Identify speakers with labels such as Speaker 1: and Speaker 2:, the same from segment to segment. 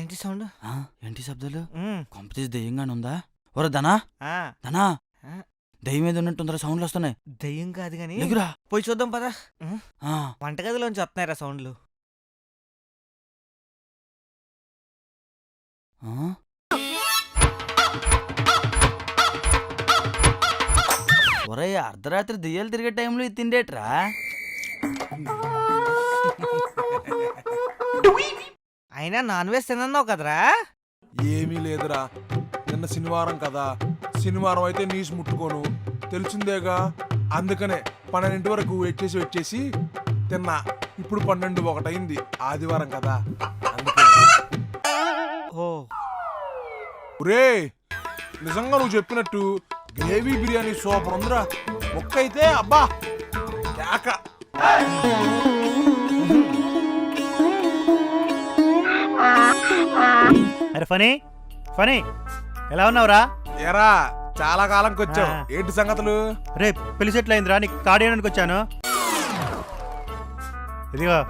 Speaker 1: ఏంటి సౌండ్?
Speaker 2: ఏంటి శబ్దాలు? కొంపతీసి దెయ్యంగానే ఉందా? ఒరే ధనా ధనా, దెయ్యం మీద ఉన్నట్టుందరా, సౌండ్లు వస్తున్నాయి.
Speaker 1: దెయ్యం కాదు గాని
Speaker 2: ఎగురా
Speaker 1: పోయి చూద్దాం పదా. వంటగదిలోంచి వస్తున్నాయిరా సౌండ్లు.
Speaker 2: ఒరే అర్ధరాత్రి దెయ్యాలు తిరిగే టైంలో ఇది తిండేట్రా?
Speaker 1: అయినా నాన్ వెజ్ తిన్నావు కదరా?
Speaker 3: ఏమీ లేదురా, నిన్న శనివారం కదా, శనివారం అయితే నీసు ముట్టుకోను తెలిసిందేగా. అందుకనే 12 వరకు వెయిట్ చేసి తిన్నా. ఇప్పుడు 12:01 అయింది, ఆదివారం కదా అందుకనే. ఒరే నిజంగా నువ్వు చెప్పినట్టు గ్రేవీ బిర్యానీ సూపర్ ఉందిరా. ముక్క అయితే అబ్బా కేక.
Speaker 4: అరే ఫనీ ఫనీ, ఎలా ఉన్నావురా?
Speaker 3: ఎరా చాలా కాలంకి వచ్చావు, ఏంటి సంగతులు?
Speaker 4: రే పెళ్లి సెటిల్ అయిందిరా, నీకు కార్డు వేయడానికి వచ్చాను. ఇదిగో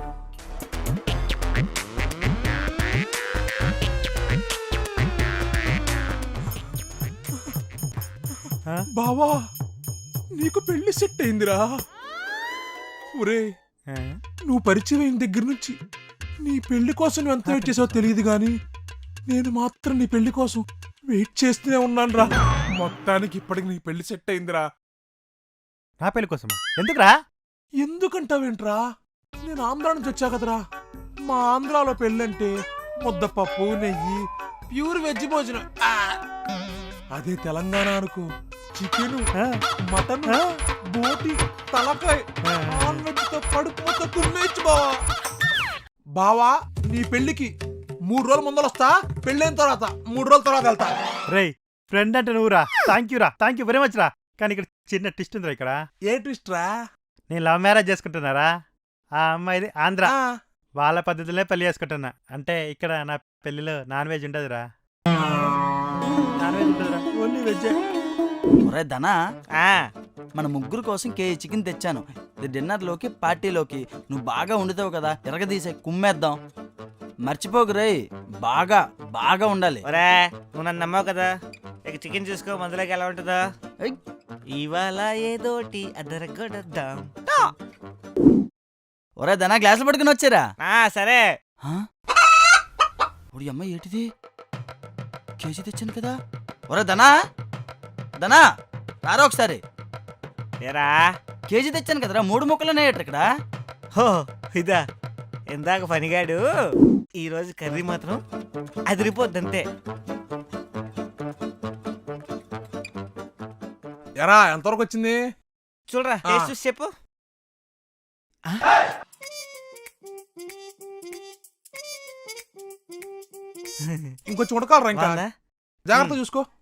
Speaker 3: బావా నీకు పెళ్లి సెట్ అయిందిరా. ఒరే నువ్వు పరిచయం అయిన దగ్గర నుంచి నీ పెళ్లి కోసం నువ్వు ఎంత వెయిట్ చేసావో తెలియదు గాని నేను మాత్రం నీ పెళ్లి కోసం వెయిట్ చేస్తూనే ఉన్నాను రా. మొత్తానికి ఇప్పటికి నీ పెళ్లి సెట్ అయిందిరా.
Speaker 4: నా పెళ్లి కోసమా? ఎందుకురా?
Speaker 3: ఎందుకంటావేంట్రా, నేను ఆంధ్రా నుంచి వచ్చా కదరా. మా ఆంధ్రాలో పెళ్ళంటే ముద్దపప్పు, నెయ్యి, ప్యూర్ వెజ్ భోజనం. అదే తెలంగాణ అనుకో, చికెన్, మటన్, బోటి, తలకాయ, నాన్ వెజ్ తో కడుపు మొత్తం కుమ్మేచ్చు బావా. బావా నీ పెళ్లికి 3 రోజుల ముందర వస్తా, పెళ్ళైన తర్వాత 3 రోజుల తర్వాత వెళ్తా.
Speaker 4: రే ఫ్రెండ్ అంటే నువ్వురా, థ్యాంక్ యూ వెరీ మచ్ రా. కానీ ఇక్కడ చిన్న ట్విస్ట్ ఉందిరా. ఇక్కడ
Speaker 3: ఏ ట్విస్ట్ రా?
Speaker 4: నేను లవ్ మ్యారేజ్ చేసుకుంటున్నారా, ఆ అమ్మాయిది ఆంధ్ర, వాళ్ళ పద్ధతిలో పెళ్లి చేసుకుంటున్నా. అంటే ఇక్కడ నా పెళ్లిలో నాన్ వెజ్ ఉండదురా, నాన్ వెజ్ ఉంటుందిరా, ఓన్లీ వెజ్.
Speaker 2: ఒరే ధనా, మన ముగ్గురు కోసం కేజీ చికెన్ తెచ్చాను. ఇది డిన్నర్లోకి పార్టీలోకి. నువ్వు బాగా వండుతావు కదా, ఎరగదీసే కుమ్మేద్దాం. మర్చిపోకు రే, బాగా బాగా ఉండాలి.
Speaker 1: ఒరే నువ్వు నన్ను నమ్మావు కదా, ఇక చికెన్ చూసుకో, మందులోకి ఎలా ఉంటుందో. ఇవాళ ఏదోటి అదరగొడద్దాం.
Speaker 2: ఒరే ధనా, గ్లాసులు పట్టుకుని వచ్చారా?
Speaker 1: సరే.
Speaker 2: ఒడి అమ్మాయి ఏంటిది, కేజీ తెచ్చాను కదా. ఒరే ధనా ధనా రారా ఒకసారి.
Speaker 1: ఏరా
Speaker 2: కేజీ తెచ్చాను కదరా, 3 ముక్కలునే ఇక్కడ.
Speaker 1: హో ఇదా, ఇందాక పనిగాడు. ఈరోజు కర్రీ మాత్రం అదిరిపోద్దంతే.
Speaker 3: ఎరా ఎంతవరకు వచ్చింది
Speaker 1: చూడరా, టేస్ట్ చూసి చెప్పు.
Speaker 3: ఇంకొంచెం ఉడకాలరా, ఇంకా జాగ్రత్త చూసుకో.